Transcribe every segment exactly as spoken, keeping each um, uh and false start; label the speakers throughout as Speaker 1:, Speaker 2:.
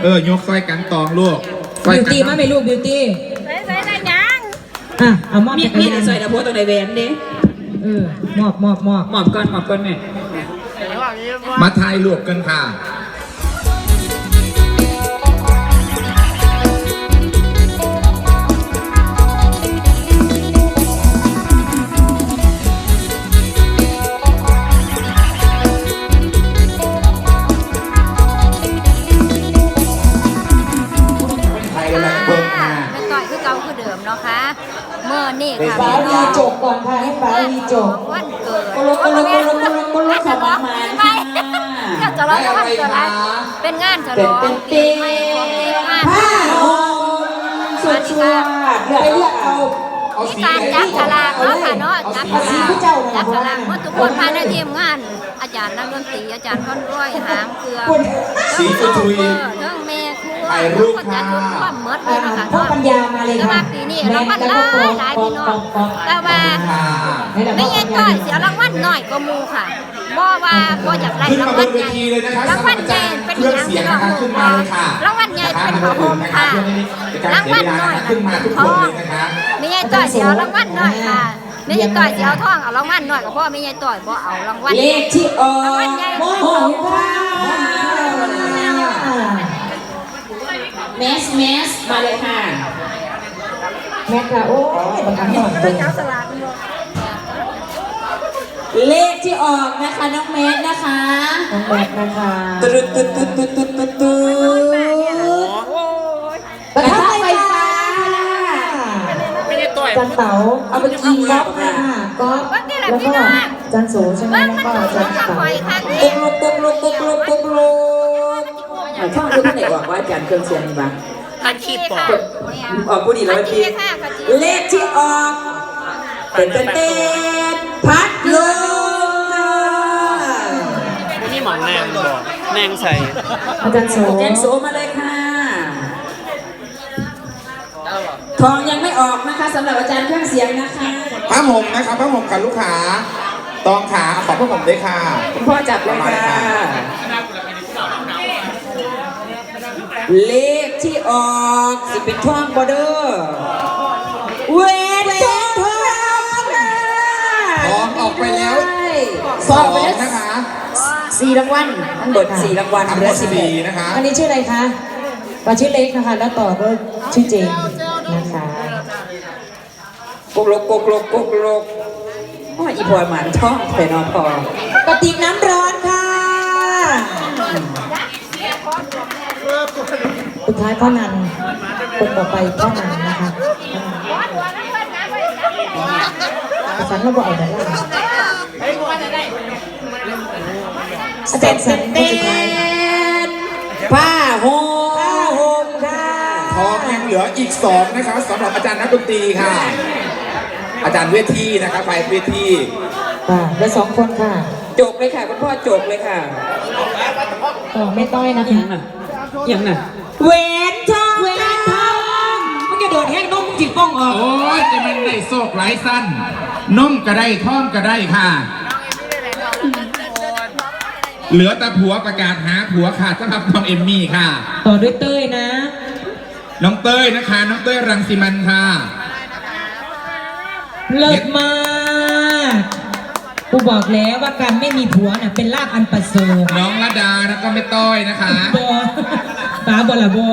Speaker 1: เออยกซอยกันตองลูก
Speaker 2: บิวตี้มาไม่ลูกบิวตี้
Speaker 3: ใส่ใส่ได้ยัง
Speaker 2: อ่ะเอามอบ
Speaker 4: มีมีใส่ตะโพตัวในแหวนดิ
Speaker 2: เออมอบมอบมอบ
Speaker 4: หมอบก่อนหมอบก่อนแม่
Speaker 1: มาถ่ายรูปกันค่ะ
Speaker 3: ไม่ต่อยคือเก่าคือเดิมเนาะค่ะเมื่อนี่ค่ะ
Speaker 2: ป้าวีจบก่อนค่ะให้ป้าวีจบ
Speaker 3: วันเกิด
Speaker 4: กุลกุลกุลกุลกุลสมานมา
Speaker 3: ค่ะก็จะร้องวันเกิดเป็นงานฉลองเป็นปีใหม่ของเด็กค่ะ
Speaker 4: ผ้าห่มสุดชัวร์เลือกเลือกเอา
Speaker 3: มีการจับฉลากเนาะค่ะเนาะจับฉลากจับฉลากเมื่อทุกคนภายในทีมงานอาจารย์นักดนตรีอาจารย์ค้อนร้อยหางเครือ
Speaker 1: สี
Speaker 3: ชุ
Speaker 1: ทุย
Speaker 3: เรื่องเมฆครัว
Speaker 1: ถ่ายรูปค่ะ
Speaker 3: ความเมิดเลยนะคะ
Speaker 2: พ่อปัญญามาเลยค่ะ
Speaker 3: แต่ว่าปีนี้รางวัลหลายหลายพี่น้องแต่ว่าไม่ใช่ต่อยเสียรางวัลหน่อยก็มูค่ะบ่ว่าบ่อยากได้รางวัลใหญ่รางวัลใหญ่เป็นอย่างที่เราบอกรางวัลใหญ่เป็นของผมค่ะรางวัลน้อยเป็นทองไม่ใช่ต่อยเสียรางวัลน้อยค่ะไม่ใช่ต่อยเสียทองเอารางวัลน้อยกับพ่อไม่ใช่ต่อยบ่เอารางวัล
Speaker 4: เลขที่ออก
Speaker 3: รางวัลใหญ่
Speaker 4: โมโหค่ะเมสเมสมาเลยค่ะ
Speaker 2: แม่ค่ะโอ้ยบังคับหน่อยตรง
Speaker 4: เลขที่ออกนะคะน้องเมสนะคะ
Speaker 2: น้องแม่นะคะ
Speaker 4: ตุ๊ดตุ๊ดตุ๊ดตุ๊ดตุ๊ดตุ๊ดตุ๊ดกระทะไฟฟ้า
Speaker 2: ไม่ได้ต่อยจันเต๋าเอาไปกินก๊อฟค่ะก๊อฟแล้วก็จันโสใช่ไหมแล้วก็จันเต๋า
Speaker 4: ปุ๊กลุกปุ๊กลุกปุ๊กลุกปุ๊กลุกช่องดูที่ไหนบอกว่าอาจารย์เครื่องเสียงบ้าง
Speaker 3: อาชีพปอก
Speaker 4: ออกผู้ดีแล้วพี่เลขที่ออกเต้นเต้นเต้นพัดลม
Speaker 5: นี่หมอนแนงบอกแนงใส่
Speaker 2: อาจารย์โส
Speaker 4: อาจารย์โสมาเลยค่ะทองยังไม่ออกนะคะสำหรับอาจารย์เครื่องเสียงนะคะ
Speaker 1: ผ้าห่มนะครับผ้าห่มกับลูกค้าตองขาขอผ้าห่มด้วยค่ะ
Speaker 4: คุณพ่อจับเลยค่ะเลขที่ออกสิเป็นทองบอเดอร์เวททองท
Speaker 1: องออกไปแล้วสองนะคะ
Speaker 4: สี่รางวัลทั้งหมดสี่รางวัล
Speaker 1: ทั้งหมดสี่นะคะ
Speaker 2: อันนี้ชื่ออะไรคะปาชื่อเล็กนะคะแล้วต่อก็ชื่อเจนนะคะ
Speaker 4: กกลกกกลกกกลกเพราะอีพอยหมันช่องแต่นอพอกระติกน้ำร้อนค่ะ
Speaker 2: สุดท้ายพ่อนันคนต่อไปพ่อนันนะคะสันเราบอกเอาแต่ละอาจารย์สันคนสุดท้าย
Speaker 4: ผ้าห่ม
Speaker 2: ผ้าห่มค่ะ
Speaker 1: ทองยังเหลืออีกสองนะคะสำหรับอาจารย์นักดนตรีค่ะอาจารย์เวทีนะคะไฟเวที
Speaker 2: ค่ะเหลือสองคนค่ะ
Speaker 4: จบเลยค่ะคุณพ่อจบเลยค่ะ
Speaker 2: อ๋อไม่ต้อยนะคะ
Speaker 4: ยังน่ะยังน่ะเวนทองเวนทอง
Speaker 2: มันจะโดดแห้งนมจิตป้องออก
Speaker 1: โอ้ยจะมันได้โศกหลายสั้นนมก็ได้ท่อมก็ได้ค่ะเหลือแต่ผัวประกาศหาผัวค่ะสำหรับน้องเอมมี่ค่ะ
Speaker 2: ต่อด้วยเต้ยนะ
Speaker 1: น้องเต้ยนะคะน้องเต้ยรังสีมันค่ะ
Speaker 2: เลิศมากกูบอกแล้วว่าการไม่มีผัวน่ะเป็นลาภอันประเสริฐ
Speaker 1: น้องระดาแล้วก็ไม่ต้อยนะคะ
Speaker 2: บอตาบอละบอ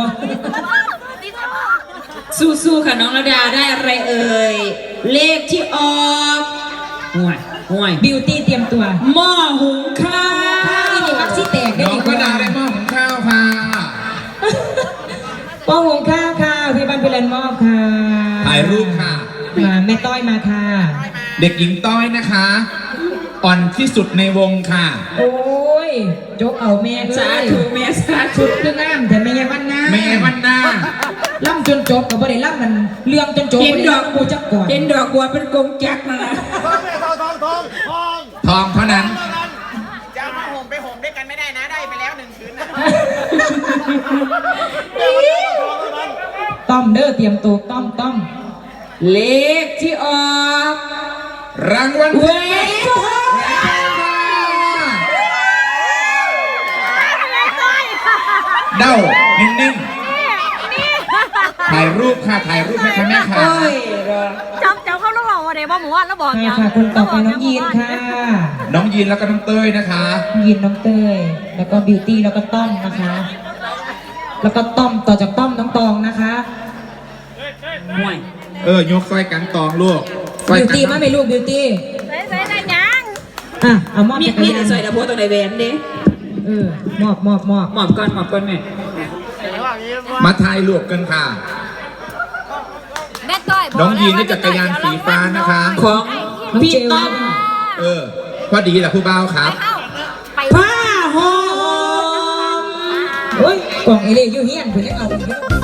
Speaker 4: สู้ๆค่ะน้องระดาได้อะไรเอ่ยเลขที่ออกห่วยห่วย
Speaker 2: บิวตี้เตรียมตัว
Speaker 4: หม้อหุงข้าว
Speaker 2: นี่มักซี่แตกได้
Speaker 1: น้องระดาได้หม้อหุงข้าวค่ะ
Speaker 2: หม้อหุงข้าวค่ะพี่บันเป็นแลนด์มอบค่ะ
Speaker 1: ถ่ายรูปค่ะ
Speaker 2: แม่ต้อยมาค่ะ
Speaker 1: เด็กหญิงต้อยนะคะอ่อนที่สุดในวงค่ะ
Speaker 2: โอ้ยจกเอาแม่
Speaker 4: สาธุแม่สาธุ
Speaker 2: เรื่องงามแต่แม่วันหน้า
Speaker 1: แม่วันหน้า
Speaker 2: ล่ำจนจบกับบ่ได้ล่ำมันเรื่องจนจบ
Speaker 4: เห็นดอก
Speaker 2: บัวจักก่อน
Speaker 4: เห็นดอกบัวเป็นกงจักรนะ
Speaker 1: ทองทองทองทองเท่านั้น
Speaker 5: จะมาห่มไปห่มด้วยกันไม่ได้นะได้ไปแล้วหนึ่งคืนนะ
Speaker 2: ต้อมเด้อเตรียมตัวต้อมต้อม
Speaker 4: เลขที่ออก
Speaker 1: รางวัล
Speaker 4: เวท
Speaker 1: เด้านิ่งๆถ่ายรูปค่ะถ่ายรูปให้ค่ะแม่ค่ะ
Speaker 4: โอ้ยรอ
Speaker 3: จำจำเขาแล้วบอกว่าเดี๋ยวบอกหมูว่าแล้วบอก
Speaker 2: ค่ะ
Speaker 3: ยัง
Speaker 2: ค่ะคนต่อไปน้องยีนค่ะ
Speaker 1: น้องยีนแล้วก็น้องเต้ยนะคะ
Speaker 2: น้องยีนน้องเต้ยแล้วก็บิวตี้แล้วก็ต้อมนะคะ แล้วก็ต้อมต่อจากต้อมน้องตองนะคะ
Speaker 4: ห่วย
Speaker 1: เออยกซอยกันตองลูกซอย
Speaker 2: บิว
Speaker 1: กัน
Speaker 2: ตี้มาไหมลูกบิวตี้
Speaker 3: ใส่ใส่ได้ยัง
Speaker 2: อ่ะเอามอบ
Speaker 4: มี
Speaker 2: จักร
Speaker 4: มี
Speaker 2: ยาน
Speaker 4: ใส่ดาโพตรงในแหวนเด้
Speaker 2: เออมอบมอบมอบ
Speaker 4: หมอบก่อนหมอบก่อนแม่
Speaker 1: มาถ่ายรูปกันค่ะ
Speaker 3: แม่ต้อย
Speaker 1: น้องยีนนี่จักรยานสีฟ้านะคะ
Speaker 4: ของ
Speaker 2: น้อง
Speaker 4: พี่
Speaker 2: เจล
Speaker 4: ต้อม
Speaker 1: เออพอดีแหละผู้บ่าวครับ
Speaker 3: ไป
Speaker 4: ผ้าห่ม
Speaker 2: โอ้ยกล่องเอเล่ยูเฮียนเพื่อนยังเอาอีกเยอะ